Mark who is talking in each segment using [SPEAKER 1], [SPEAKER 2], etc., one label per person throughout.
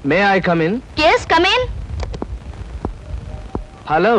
[SPEAKER 1] May I come in?
[SPEAKER 2] yes come in.
[SPEAKER 1] Hello.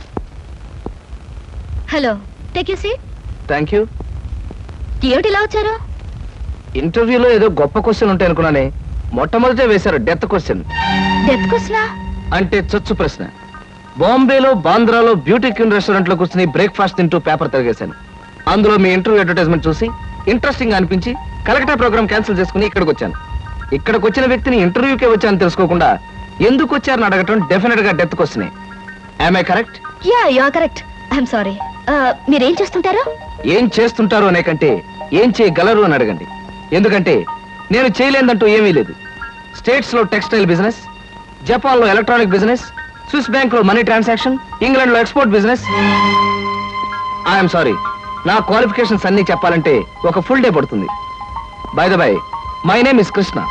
[SPEAKER 2] Hello, take you seat.
[SPEAKER 1] Thank you.
[SPEAKER 2] ఏమిటి ఇలా వచ్చారు?
[SPEAKER 1] ఇంటర్వ్యూలో ఏదో గొప్ప క్వశ్చన్ ఉంటాయి అనుకున్నానే, మొట్టమొదటే వేశారు డెత్ క్వశ్చన్.
[SPEAKER 2] డెత్ క్వశ్చనా?
[SPEAKER 1] అంటే చచ్చు ప్రశ్న. బాంబేలో బాంద్రాలో బ్యూటీ క్వీన్ రెస్టారెంట్ లో కూర్చుని బ్రేక్ఫాస్ట్ తింటూ పేపర్ తిరిగేశాను. అందులో మీ ఇంటర్వ్యూ అడ్వర్టైజ్మెంట్ చూసి ఇంట్రెస్టింగ్ అనిపించి కలెక్టర్ ప్రోగ్రామ్ క్యాన్సిల్ చేసుకుని ఇక్కడికి వచ్చాను. ఇక్కడికి వచ్చిన వ్యక్తిని ఇంటర్వ్యూకే వచ్చాను తెలుసుకోకుండా ఎందుకు వచ్చారని అడగటం డెఫినెట్ గా డెత్ క్వశ్చనే. Am I correct?
[SPEAKER 2] Yeah you are correct. I'm sorry. మీరేం చేస్తుంటారు?
[SPEAKER 1] ఏం చేస్తుంటారు అనే కంటే ఏం చేయగలరు అని అడగండి. ఎందుకంటే నేను చేయలేదంటూ ఏమీ లేదు. స్టేట్స్ లో టెక్స్టైల్ బిజినెస్, జపాన్ లో ఎలక్ట్రానిక్ బిజినెస్, స్విస్ బ్యాంక్ లో మనీ ట్రాన్సాక్షన్, ఇంగ్లాండ్ లో ఎక్స్పోర్ట్ బిజినెస్. ఐఎమ్ సారీ, నా క్వాలిఫికేషన్స్ అన్ని చెప్పాలంటే ఒక ఫుల్ డే పడుతుంది. By the by, my name is Krishna.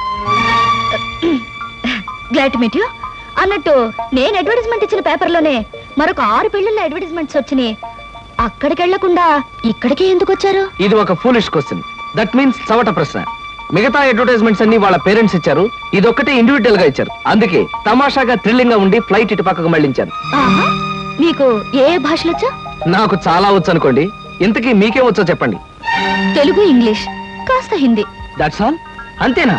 [SPEAKER 2] Glad to meet you. అన్నట్టు నేను అడ్వర్టైజ్మెంట్ ఇచ్చిన పేపర్లోనే మరొక 6 పెళ్లిళ్ళ అడ్వర్టైజ్మెంట్స్ వచ్చినాయి. అక్కడికి వెళ్లకుండా ఇక్కడికే ఎందుకు వచ్చారు?
[SPEAKER 1] ఇది ఒక ఫూలిష్ క్వశ్చన్. దట్ మీన్స్ చవట ప్రశ్న. మిగతా అడ్వర్టైజ్మెంట్స్ అన్ని వాళ్ళ పేరెంట్స్ ఇచ్చారు, ఇదొక్కటే ఇండివిజువల్ గా ఇచ్చారు. అందుకే తమాషాగా థ్రిల్లింగ్ గా ఉండి ఫ్లైట్ ఇటు పక్కకు మళ్ళించాను.
[SPEAKER 2] మీకు ఏ భాషలు వచ్చా?
[SPEAKER 1] నాకు చాలా వచ్చు అనుకోండి. ఇంతకీ మీకేం వచ్చో చెప్పండి.
[SPEAKER 2] తెలుగు, ఇంగ్లీష్, కాస్త హిందీ.
[SPEAKER 1] That's all? అంతేనా?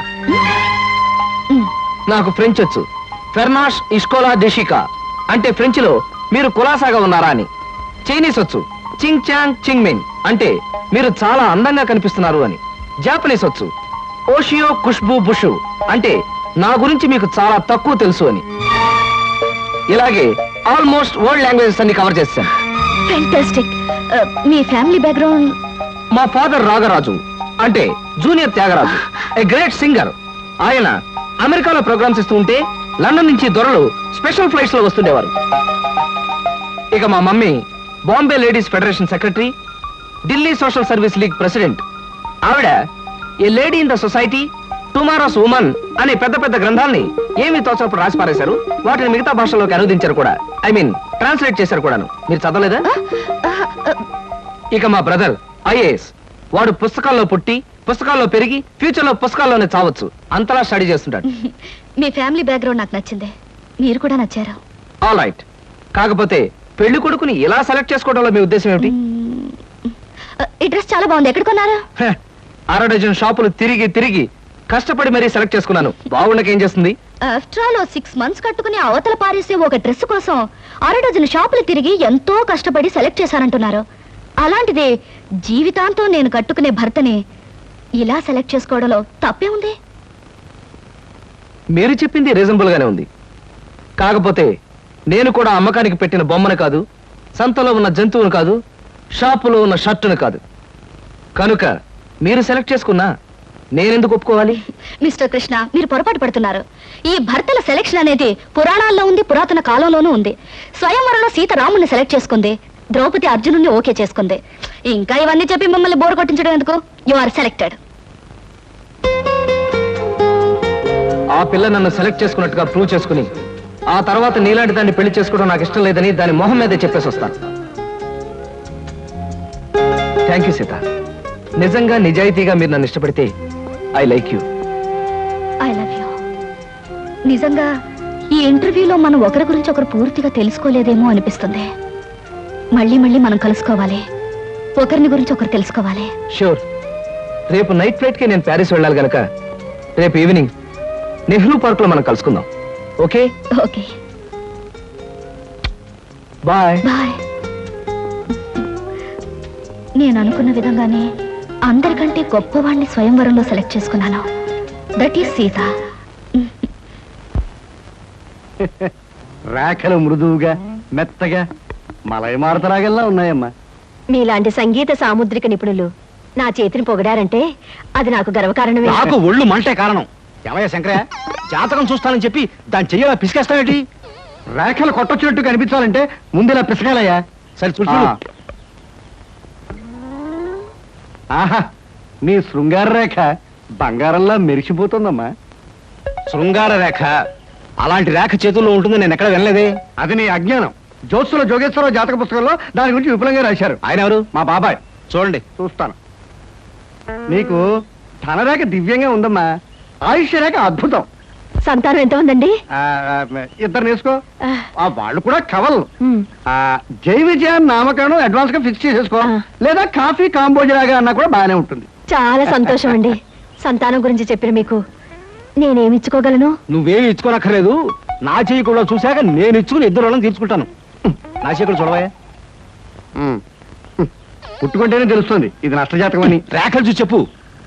[SPEAKER 1] నాకు ఫ్రెంచ్ వచ్చు. ఫెర్నాష్ ఇస్కోలా డెషికా అంటే ఫ్రెంచ్ లో మీరు కులాసాగా ఉన్నారా అని. చైనీస్ వచ్చు. చింగ్ చాంగ్ చింగ్ మింగ్ అంటే మీరు చాలా అందంగా కనిపిస్తున్నారు అని. జాపనీస్ వచ్చు. ఓషియో ఖుష్బూ బుషు అంటే నా గురించి మీకు చాలా తక్కువ తెలుసు అని. ఇలాగే ఆల్మోస్ట్ వరల్డ్ లాంగ్వేజెస్ అన్ని కవర్ చేశాను.
[SPEAKER 2] ఫెంటాస్టిక్. మీ ఫ్యామిలీ బ్యాక్గ్రౌండ్?
[SPEAKER 1] మా ఫాదర్ రాగరాజు అంటే junior Tyagaraju, a great singer. ఆయన అమెరికాలో ప్రోగ్రామ్స్ ఇస్తూ ఉంటే లండన్ నుంచి దొరలు స్పెషల్ ఫ్లైట్స్ లో వస్తుండేవారు. ఇక మా mummy Bombay ladies federation secretary, Delhi social service league president. ఆవిడ a lady in the society, tomorrow's woman అనే పెద్ద పెద్ద గ్రంథాల్ని ఏమి తోచినప్పుడు రాసి పారేశారు. వాటిని మిగతా భాషల్లోకి అనువదించారు కూడా. ఐ మీన్ ట్రాన్స్లేట్ చేశారు కూడాను. మీరు చదవలేదా? ఇక మా బ్రదర్ ఐఏఎస్. వాడు పుస్తకాల్లో పుట్టి పుస్తకాల్లో పెరిగి ఫ్యూచర్ లో పుస్తకాల్లోనే చావచ్చు. అంతలా స్టడీ చేస్తుంటాడు.
[SPEAKER 2] మీ ఫ్యామిలీ బ్యాక్గ్రౌండ్ నాకు నచ్చింది. మీరు కూడా నచ్చారు.
[SPEAKER 1] All right. కాకపోతే పెళ్లి కొడుకుని ఇలా సెలెక్ట్ చేసుకోవడంలో మీ ఉద్దేశం ఏమిటి?
[SPEAKER 2] ఈ డ్రెస్ చాలా బాగుంది. ఎక్కడ కొన్నారు?
[SPEAKER 1] 6 డజన్ షాపులు తిరిగి తిరిగి కష్టపడి మరీ సెలెక్ట్ చేసుకున్నాను. బాగుండకేం చేస్తుంది?
[SPEAKER 2] ఆఫ్టర్ ఆల్ 6 months కట్టుకుని అవతల పారేసే ఒక డ్రెస్ కోసం 6 డజన్ షాపులు తిరిగి ఎంతో కష్టపడి సెలెక్ట్ చేశారంటున్నారు. అలాంటిది జీవితాంతం నేను కట్టుకునే భర్తని ఇలా సెలెక్ట్ చేసుకోవడంలో తప్పే ఉంది.
[SPEAKER 1] మీరు చెప్పింది రీజనబుల్ గానే ఉంది. కాకపోతే నేను కూడా అమ్మకానికి పెట్టిన బొమ్మను కాదు, సంతలో ఉన్న జంతువును కాదు, షాపులో ఉన్న షర్టును కాదు. కనుక మీరు సెలెక్ట్ చేసుకున్నా నేనెందుకు ఒప్పుకోవాలి?
[SPEAKER 2] మిస్టర్ కృష్ణ, మీరు పొరపాటు పడుతున్నారు. ఈ భర్తల సెలెక్షన్ అనేది పురాణాల్లో ఉంది, పురాతన కాలంలోనూ ఉంది. స్వయంవరంలో సీత రాముని సెలెక్ట్ చేసుకుంది, ద్రౌపది అర్జునుని ఓకే చేసుకుంది. ఇంకా ఇవన్నీ చెప్పి మిమ్మల్ని బోర్ కొట్టించడం ఎందుకు? You are selected.
[SPEAKER 1] ఆ పిల్ల నన్ను సెలెక్ట్ చేసుకున్నట్టుగా ప్రూవ్ చేసుకుని ఆ తర్వాత నీలాంటి దాన్ని పెళ్లి చేసుకోవడం నాకు ఇష్టం లేదని దాని మొహం మీదే చెప్పేసి వస్తాను. Thank you Sita. నిజంగా నిజాయితీగా మీరు నన్ను ఇష్టపడితే I like you.
[SPEAKER 2] I love you. నిజంగా ఈ ఇంటర్వ్యూలో మనం ఒకరి గురించి ఒకరు పూర్తిగా తెలుసుకోలేదేమో అనిపిస్తుంది. మళ్ళీ మళ్ళీ మనం కలుసుకోవాలి, ఒకరిని గురించి ఒకరు తెలుసుకోవాలి.
[SPEAKER 1] షూర్. రేపు నైట్ ఫ్లైట్ కి నేను ప్యారిస్ వెళ్ళాలి గనక రేపు ఈవినింగ్ నెహ్రూ పార్క్ లో మనం కలుసుకుందాం. ఓకే?
[SPEAKER 2] ఓకే.
[SPEAKER 1] బాయ్.
[SPEAKER 2] బాయ్. నేను అనుకున్న విధంగానే అందరికంటే గొప్పవాణ్ణి స్వయంవరంలో సెలెక్ట్ చేసుకున్నాను. That is Sita.
[SPEAKER 3] రేఖలు మృదువుగా మెత్తగా మలయమారుతరాగల్లా ఉన్నాయమ్మా.
[SPEAKER 2] మీలాంటి సంగీత సాముద్రిక నిపుణులు నా చేతిని పొగడారంటే అది నాకు గర్వకారణమే.
[SPEAKER 3] నాకు ఒళ్ళు మంటే కారణం. ఏమయ్య శంకరయ్య, జాతకం చూస్తానని చెప్పి దాన్ని చెయ్యాలా పిసికేస్తావేటి? రేఖలు కొట్టొచ్చినట్టు కనిపించాలంటే ముందులా పిసకాలయ్యా. సరే చూసి ఆహా, నీ శృంగార రేఖ బంగారంలా మెరిసిపోతుందమ్మా.
[SPEAKER 1] శృంగార రేఖ అలాంటి రేఖ చేతుల్లో ఉంటుందని నేను ఎక్కడ వినలేదే.
[SPEAKER 3] అది నీ అజ్ఞానం. జ్యోత్సుల జోగేశ్వరరావు జాతక పుస్తకంలో దాని గురించి విపులంగా రాశారు.
[SPEAKER 1] ఆయన ఎవరు?
[SPEAKER 3] మా బాబాయ్.
[SPEAKER 1] చూడండి.
[SPEAKER 3] చూస్తాను. నీకు ధనరేఖ దివ్యంగా ఉందమ్మా. ఆయుష్య రేఖ అద్భుతం.
[SPEAKER 2] సంతానం ఎంత ఉందండి?
[SPEAKER 3] ఇద్దరు నేర్చుకో. వాళ్ళు కూడా కవల్. జై విజయాన్ని నామకరణం అడ్వాన్స్ గా ఫిక్స్ చేసేసుకో. లేదా కాఫీ కాంబోజలాగా అన్నా కూడా బాగానే ఉంటుంది.
[SPEAKER 2] చాలా సంతోషం అండి. సంతానం గురించి చెప్పిన మీకు నేనేమి ఇచ్చుకోగలను?
[SPEAKER 3] నువ్వేమి ఇచ్చుకోనక్కర్లేదు. నా చెయ్యి కూడా చూశాక నేను ఇచ్చుకుని ఇద్దరు వాళ్ళని తీర్చుకుంటాను. నా చెయ్యి కూడా చూడవా. పుట్టుకుంటేనే తెలుస్తుంది ఇది నష్టజాతకం అని. రేఖలు చూసి చెప్పు.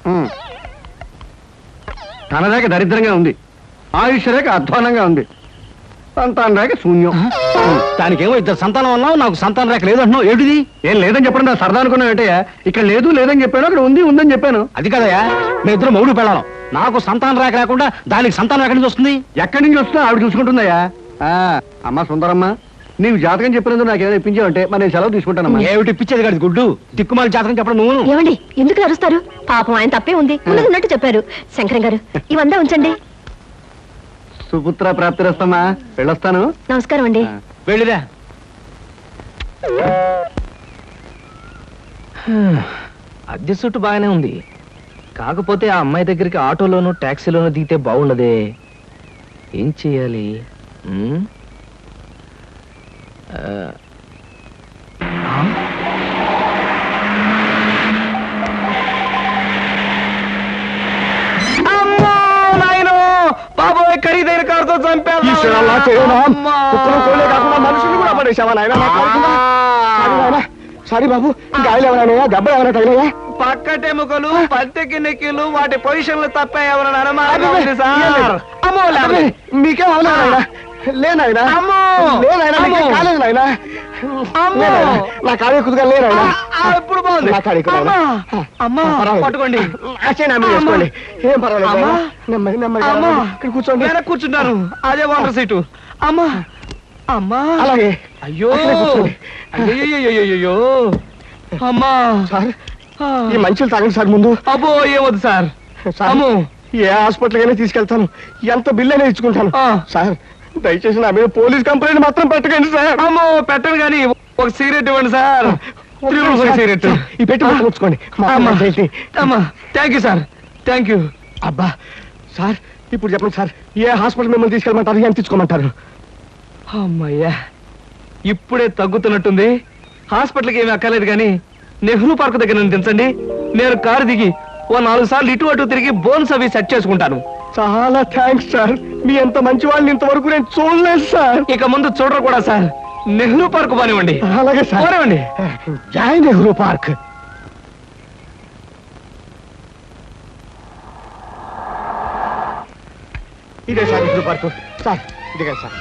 [SPEAKER 3] తన రేఖ దరిద్రంగా ఉంది, ఆయుష్ రేఖ అధ్వానంగా ఉంది, సంతాన రేఖ శూన్యం. దానికేమో ఇద్దరు సంతానం అన్నావు, నాకు సంతాన రేఖ లేదంటున్నావు. ఏమిటిది? ఏం లేదని చెప్పడం నా సరదా అనుకున్నావు ఏంటయ్యా? ఇక్కడ లేదు లేదని చెప్పాను, అక్కడ ఉంది ఉందని చెప్పాను. అది కదయ్యా, మేము ఇద్దరు మౌడు పెళ్ళాం. నాకు సంతాన రేఖ లేకుండా దానికి సంతానం ఎక్కడి నుంచి వస్తుంది? ఎక్కడి నుంచి వస్తుందో ఆవిడ చూసుకుంటుందయ్యా. అమ్మా సుందరమ్మ, నీవు జాతకం చెప్పినందుకు నాకు ఏదైనా ఇప్పించావంటే మరి నేను సెలవు తీసుకుంటానమ్మా. ఏమిటి ఇప్పించేది కాదు గుడ్డు, తిక్కుమాలి జాతకం చెప్పడం నువ్వు.
[SPEAKER 2] ఏమండి ఎందుకు అరుస్తారు? పాపం ఆయన తప్పే ఉంది, ఉన్నట్టు చెప్పారు. శంకరం గారు ఇవంతా ఉంచండి.
[SPEAKER 3] సుపుత్ర ప్రాప్తిరస్తమ్మా, వెళ్ళొస్తాను.
[SPEAKER 2] నమస్కారం అండి.
[SPEAKER 3] వెళ్ళిరా.
[SPEAKER 1] అద్దె చుట్టూ బాగానే ఉంది, కాకపోతే ఆ అమ్మాయి దగ్గరికి ఆటోలోనూ ట్యాక్సీలోనూ దిగితే బాగుండదే. ఏం చెయ్యాలి? బాబోయ్, ఖరీదైన కారుతో చంపాను.
[SPEAKER 3] మనుషులు కూడా పడేసావా నాయన? సారీ బాబు, గాయలు ఎవరైనా దెబ్బలు ఎవరైనా తగిలాయా?
[SPEAKER 1] పక్కటెముకలు, పత్తెకి నెక్కిలు, వాటి పొజిషన్లు తప్ప ఎవరైనా
[SPEAKER 3] మీకేం అవలేదా? లేనాయనా కాలేదు నాయన, నా కాడే కుదుగా లేనాయనా.
[SPEAKER 1] ఇప్పుడు బాగుంది. పట్టుకోండి,
[SPEAKER 3] చేసుకోండి, ఏం పర్వాలేదు. నెమ్మది నెమ్మది ఇక్కడ కూర్చోండి.
[SPEAKER 1] కూర్చుంటాను, అదే వాటర్ సీటు. అమ్మా అమ్మా,
[SPEAKER 3] అలాగే.
[SPEAKER 1] అయ్యో అయ్యో అమ్మా.
[SPEAKER 3] సార్ ఈ మంచులు తాగండి సార్ ముందు.
[SPEAKER 1] అబ్బో ఏమొద్దు సార్.
[SPEAKER 3] అమ్మో, ఏ హాస్పిటల్కైనా తీసుకెళ్తాను, ఎంత బిల్ అయినా ఇచ్చుకుంటాను. సార్ దయచేసి నా మీద పోలీస్ కంప్లైంట్ మాత్రం పెట్టకండి సార్.
[SPEAKER 1] అమ్మో పెట్టను కానీ ఒక సిగరెట్ ఇవ్వండి సార్. సిగరెట్
[SPEAKER 3] ఈ పెట్టి ఉంచుకోండి.
[SPEAKER 1] అమ్మా thank you sir, thank you.
[SPEAKER 3] అబ్బా సార్, ఇప్పుడు చెప్పండి సార్, ఏ హాస్పిటల్ మిమ్మల్ని తీసుకెళ్ళమంటారు, ఎంత తీసుకోమంటారు?
[SPEAKER 1] అమ్మయ్యా, ఇప్పుడే తగ్గుతున్నట్టుంది. హాస్పిటల్కి ఏమీ అక్కర్లేదు కానీ నెహ్రూ పార్క్ దగ్గర నన్ను దించండి. నేను కారు దిగి ఓ 4 సార్లు ఇటు అటు తిరిగి బోన్స్ అవి సెట్ చేసుకుంటాను.
[SPEAKER 3] చాలా థ్యాంక్స్ సార్, మీ ఎంత మంచి వాళ్ళని ఇంతవరకు నేను చూడలేదు సార్.
[SPEAKER 1] ఇక ముందు చూడరు కూడా సార్. నెహ్రూ పార్క్ పోనివ్వండి.
[SPEAKER 3] అలాగే సార్,
[SPEAKER 1] పోనివ్వండి.
[SPEAKER 3] జై నెహ్రూ పార్క్. ఇదే సార్ నెహ్రూ పార్క్. సార్ ఇదిగా సార్,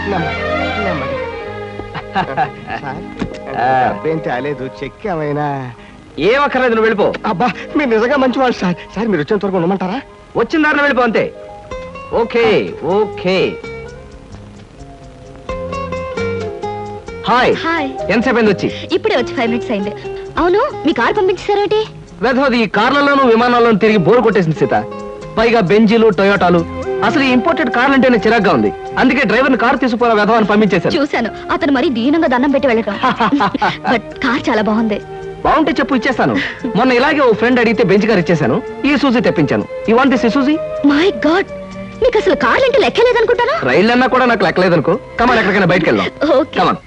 [SPEAKER 3] అబ్బేం తేలేదు, చెక్ ఏమైనా?
[SPEAKER 1] ఏం అక్కర్లేదు, నువ్వు వెళ్ళిపో.
[SPEAKER 3] అబ్బా మీరు నిజంగా మంచివాళ్ళు సార్. సార్ మీరు వచ్చేంత వరకు ఉండమంటారా?
[SPEAKER 1] వచ్చిన దారిలో వెళ్ళిపో అంతే. Okay okay. హాయ్.
[SPEAKER 2] హాయ్.
[SPEAKER 1] ఎంతసేపు అయింది వచ్చి?
[SPEAKER 2] ఇప్పుడే వచ్చి 5 minutes అయింది. అవును, మీ కారు పంపించారేటి?
[SPEAKER 1] వెధవది ఈ కార్లలోనూ విమానాల్లోనూ తిరిగి బోరు కొట్టేసింది సీత. పైగా బెంజీలు, టొయోటాలు. అసలు ఈ ఇంపోర్టెడ్ కార్లు అంటేనే చిరాగ్గా ఉంది. అందుకే డ్రైవర్ని కారు తీసుకుపోరా వెధవని పంపించేశారు.
[SPEAKER 2] చూశాను, అతను మరీ దీనంగా దండం పెట్టి వెళ్ళటం. బట్ కార్ చాలా బాగుంది.
[SPEAKER 1] బాగుంటే చెప్పు, ఇచ్చేస్తాను. మొన్న ఇలాగే ఓ ఫ్రెండ్ అడిగితే బెంచ్ కార్ ఇచ్చేసాను. ఈ సూజీ తెప్పించాను. ఈ want this Suzy?
[SPEAKER 2] My god, మీకు అసలు కార్లు అంటే లెక్కలేదనుకుంటారా?
[SPEAKER 1] రైళ్ళు అన్నా కూడా నాకు లెక్కలేదనుకో. కమాన్, ఎక్కడికైనా బయటకు వెళ్దాం.
[SPEAKER 2] ఓకే.
[SPEAKER 1] కమాన్.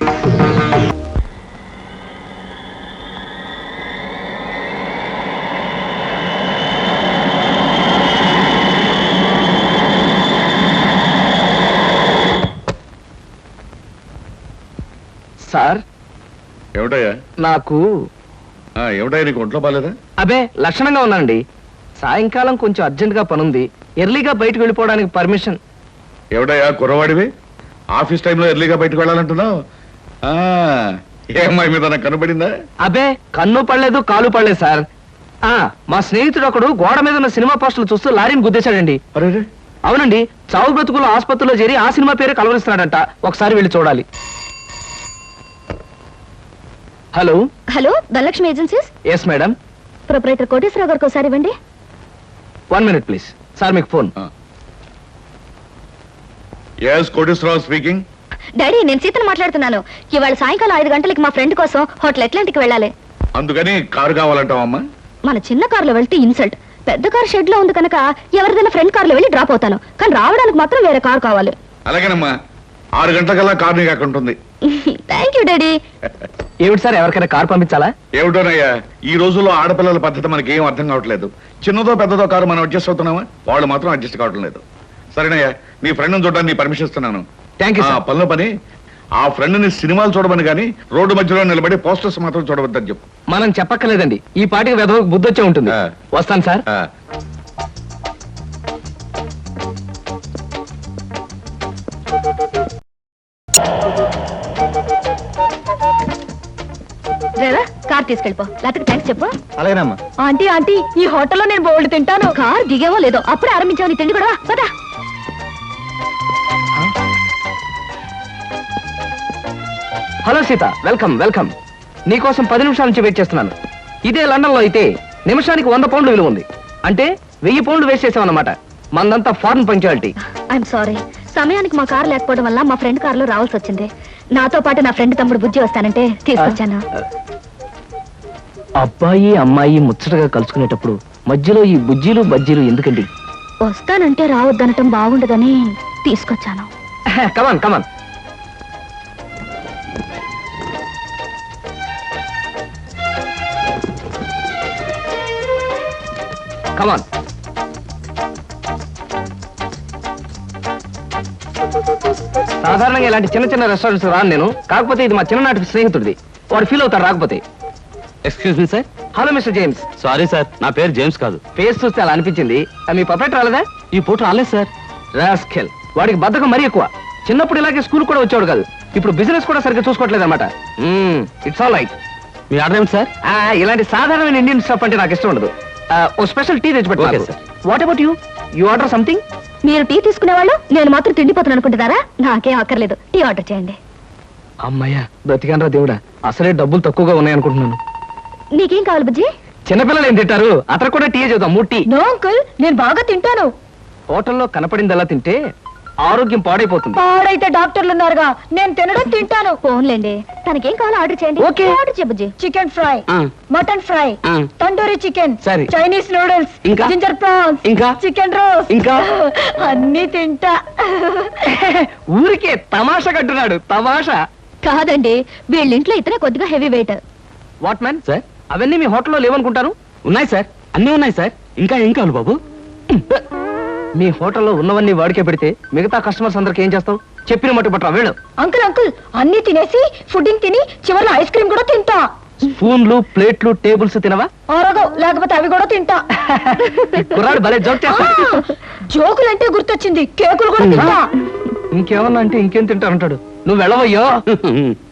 [SPEAKER 1] సార్
[SPEAKER 4] ఏమిటయ్యా?
[SPEAKER 1] నాకు
[SPEAKER 4] ఏమిటయ్యా, నీకు ఒంట్లో బాలేదా?
[SPEAKER 1] అబే లక్షణంగా ఉన్నానండి. సాయంకాలం కొంచెం అర్జెంట్ గా పనుంది, ఎర్లీగా బయటకు వెళ్ళిపోవడానికి పర్మిషన్.
[SPEAKER 4] ఏమిటయ్యా కుర్రవాడివి, ఆఫీస్ టైంలో ఎర్లీగా బయటకు వెళ్ళాలంటున్నావు? ఏ అమ్మాయి మీద నాకు కనబడిందా?
[SPEAKER 1] అబే కన్ను పడలేదు, కాలు పడలేదు సార్. మా స్నేహితుడు ఒకడు గోడ మీద ఉన్న సినిమా పోస్టర్లు చూస్తూ లారీని గుద్దేశాడండి.
[SPEAKER 4] అరే,
[SPEAKER 1] అవునండి, చావు బ్రతుకులు ఆసుపత్రిలో చేరి ఆ సినిమా పేరు కలవరిస్తున్నాడంట. ఒకసారి వెళ్ళి చూడాలి. Hello
[SPEAKER 2] hello, Dhanalakshmi agencies.
[SPEAKER 1] Yes madam.
[SPEAKER 2] Proprietor Koteswararao గారికి ఒకసారి ఇవ్వండి.
[SPEAKER 1] 1 minute ప్లీజ్. సార్ మీకు phone.
[SPEAKER 4] yes Koteswararao speaking.
[SPEAKER 2] Daddy, నేను సీతను మాట్లాడుతున్నాను. ఇవాళ సాయంకాలం 5 గంటలకి మా ఫ్రెండ్ కోసం హోటల్ అట్లాంటిక్ వెళ్ళాలి.
[SPEAKER 4] అందుకని కారు కావాలంటావమ్మా?
[SPEAKER 2] మన చిన్న కారులో వెళ్తే ఇన్సల్ట్, పెద్ద కార్ షెడ్ లో ఉంది కనుక ఎవరిదైనా ఫ్రెండ్ కార్లో వెళ్ళి డ్రాప్ అవుతాను, కానీ రావడానికి మాత్రం వేరే కార్ కావాలి.
[SPEAKER 4] అలాగేనమ్మా, 6 గంటలకల్లా కారు నీకు అక్కడ ఉంటుంది.
[SPEAKER 2] Thank you daddy.
[SPEAKER 1] ఏమిటి సార్, ఎవరికైనా కార్ పంపించాలా?
[SPEAKER 4] ఏమిటోనయ్యా, ఈ రోజుల్లో ఆడపిల్లల పద్ధతి మనకి ఏం అర్థం కావట్లేదు. చిన్నదో పెద్దదో కారు మనం అడ్జస్ట్ అవుతున్నామా, వాళ్ళు మాత్రం అడ్జస్ట్ కావటం లేదు. సరేనయ్యా, నీ ఫ్రెండ్ చూడడానికి పర్మిషన్ ఇస్తున్నాను.
[SPEAKER 1] Thank you sir.
[SPEAKER 4] పనిలో పని ఆ ఫ్రెండ్ ని సినిమాలు చూడమని కానీ రోడ్డు మధ్యలో నిలబడి పోస్టర్స్ మాత్రం చూడవద్దని చెప్పు.
[SPEAKER 1] మనం చెప్పక్కర్లేదండి, ఈ పాటికి వెదవకు బుద్ధి వచ్చే ఉంటుంది.
[SPEAKER 4] ఆ.
[SPEAKER 1] వస్తాను సార్.
[SPEAKER 4] ఆ,
[SPEAKER 2] డ్రైవర్, కార్ తీసుకెళ్ళిపో, లేకపోతే థ్యాంక్స్ చెప్పు.
[SPEAKER 1] అలాగేనమ్మా.
[SPEAKER 2] ఆంటీ ఆంటీ, ఈ హోటల్లో నేను బోల్డ్ తింటాను. కార్ దిగేవో లేదో అప్పుడే ఆరంభించావు నీ తిండి కూడా. పదా.
[SPEAKER 1] Hello Sita, welcome welcome. నీకోసం 10 నిమిషాల నుంచి వెయిట్ చేస్తున్నాను. ఇదే లండన్ లో అయితే నిమిషానికి 100 పౌండ్లు విలువ ఉంది. అంటే 1000 పౌండ్లు వేస్ట్ చేసామన్నమాట. మందంతా ఫారెన్ పంచాలిటీ.
[SPEAKER 2] ఐఎమ్ సారీ, సమయానికి మా కార్ లేకపోవడం వల్ల మా ఫ్రెండ్ కార్ లో రావాల్సి వచ్చింది. నాతో పాటు నా ఫ్రెండ్ తమ్ముడు బుజ్జి వస్తానంటే తీసుకొచ్చాను.
[SPEAKER 1] అబ్బాయి అమ్మాయి ముచ్చటగా కలుసుకునేటప్పుడు మధ్యలో ఈ బుజ్జీలు బజ్జీలు ఎందుకండి?
[SPEAKER 2] వస్తానంటే రావద్దనటం బాగుండదని తీసుకొచ్చాను.
[SPEAKER 1] కమాన్ కమాన్. కమాన్. సాధారణంగా ఇలాంటి చిన్న చిన్న రెస్టారెంట్స్ రాను నేను. కాకపోతే ఇది మా చిన్ననాటి స్నేహితుడిది. వాడు ఫీల్ అవుతాడు రాకపోతే.
[SPEAKER 3] Excuse me sir.
[SPEAKER 1] Hello mister James.
[SPEAKER 3] Sorry sir, నా పేరు జేమ్స్ కాదు.
[SPEAKER 1] ఫేస్ చూస్తే అలా అనిపించింది. మీ పర్ఫెక్ట్ రాలేదా?
[SPEAKER 3] ఈ పూట రాలేదు సార్.
[SPEAKER 1] రాస్కెల్, వాడికి బద్ధకం మరీ ఎక్కువ. చిన్నప్పుడు ఇలాగే స్కూల్ కూడా వచ్చాడు కాదు, ఇప్పుడు బిజినెస్ కూడా సరిగ్గా చూసుకోవట్లేదు అనమాట. It's all right.
[SPEAKER 3] మీ ఆర్డర్ ఏమిటి సార్?
[SPEAKER 1] ఇలాంటి సాధారణమైన ఇండియన్ స్టఫ్ అంటే నాకు ఇష్టం ఉండదు. ఓ స్పెషల్ టీ తెచ్చి
[SPEAKER 3] Okay,
[SPEAKER 1] పెట్టు.
[SPEAKER 3] sir.
[SPEAKER 1] What about you? You order something?
[SPEAKER 2] మీరు టీ తీసుకునేవాళ్ళు, నేను మాత్రం తిండిపోతాను అనుకుంటున్నారా? నాకేం అక్కర్లేదు, టీ ఆర్డర్ చేయండి.
[SPEAKER 1] అమ్మయ్యా, బ్రతికానరా దేవుడా. అసలే డబ్బులు తక్కువగా ఉన్నాయనుకుంటున్నాను.
[SPEAKER 2] నీకేం కావాలి బుజ్జి?
[SPEAKER 1] చిన్నపిల్లలు ఏం తింటారు? అతను కూడా టీ చూద్దాం. 3 టీ.
[SPEAKER 2] నో అంకుల్, నేను బాగా తింటాను.
[SPEAKER 1] హోటల్లో కనపడిందల్లా తింటే ఆరోగ్యం పాడైపోతుంది.
[SPEAKER 2] పాడైతే డాక్టర్లు ఉన్నారుగా, నేను తినడం తింటాను. ఫోన్లేండి, తనకేం కావాలో ఆర్డర్ చేయండి.
[SPEAKER 1] ఓకే.
[SPEAKER 2] ఆర్డర్ చేయ బుజ్జి.
[SPEAKER 5] చికెన్ ఫ్రై,
[SPEAKER 1] ఆ.
[SPEAKER 5] మటన్ ఫ్రై,
[SPEAKER 1] ఆ.
[SPEAKER 5] తండూరి చికెన్,
[SPEAKER 1] సరే.
[SPEAKER 5] చైనీస్ నూడిల్స్,
[SPEAKER 1] ఇంకా?
[SPEAKER 5] జింజర్ ప్రాన్స్,
[SPEAKER 1] ఇంకా?
[SPEAKER 5] చికెన్ రోస్,
[SPEAKER 1] ఇంకా?
[SPEAKER 5] అన్ని తింటా.
[SPEAKER 1] ఊరికే తమాషా కట్టున్నాడు. తమాషా.
[SPEAKER 2] కాదండి, వీళ్ళింట్లో ఇతనే కొద్దిగా heavy weight.
[SPEAKER 1] What man sir, అవన్నీ మీ హోటల్లో లేవనుకుంటారు?
[SPEAKER 3] ఉన్నాయి సార్, అన్నీ ఉన్నాయి సార్. ఇంకా ఏం కావాలి బాబు?
[SPEAKER 1] మీ హోటల్లో ఉన్నవన్నీ వాడికే పెడితే మిగతా కస్టమర్స్ అందరికి ఏం చేస్తావు? చెప్పిన మట్టు పట్టరా వెళ్ళు.
[SPEAKER 5] అంకుల్ అంకుల్, అన్ని తినేసి ఫుడ్డింగ్ తిని చివరిలో ఐస్ క్రీమ్ కూడా తింటా.
[SPEAKER 1] స్పూన్లు, ప్లేట్లు, టేబుల్స్ తినవా?
[SPEAKER 5] ఆరోగో, లేకపోతే అవి కూడా తింటా.
[SPEAKER 1] ఈ కుర్రాడు భలే జోక్ చేస్తాడు.
[SPEAKER 5] జోకులంటే గుర్తొచ్చింది, కేకులు కూడా తింటా.
[SPEAKER 1] ఇంకేమన్నా అంటే ఇంకేం తింటారంటాడు. నువ్వు వెళ్ళవయ్యో.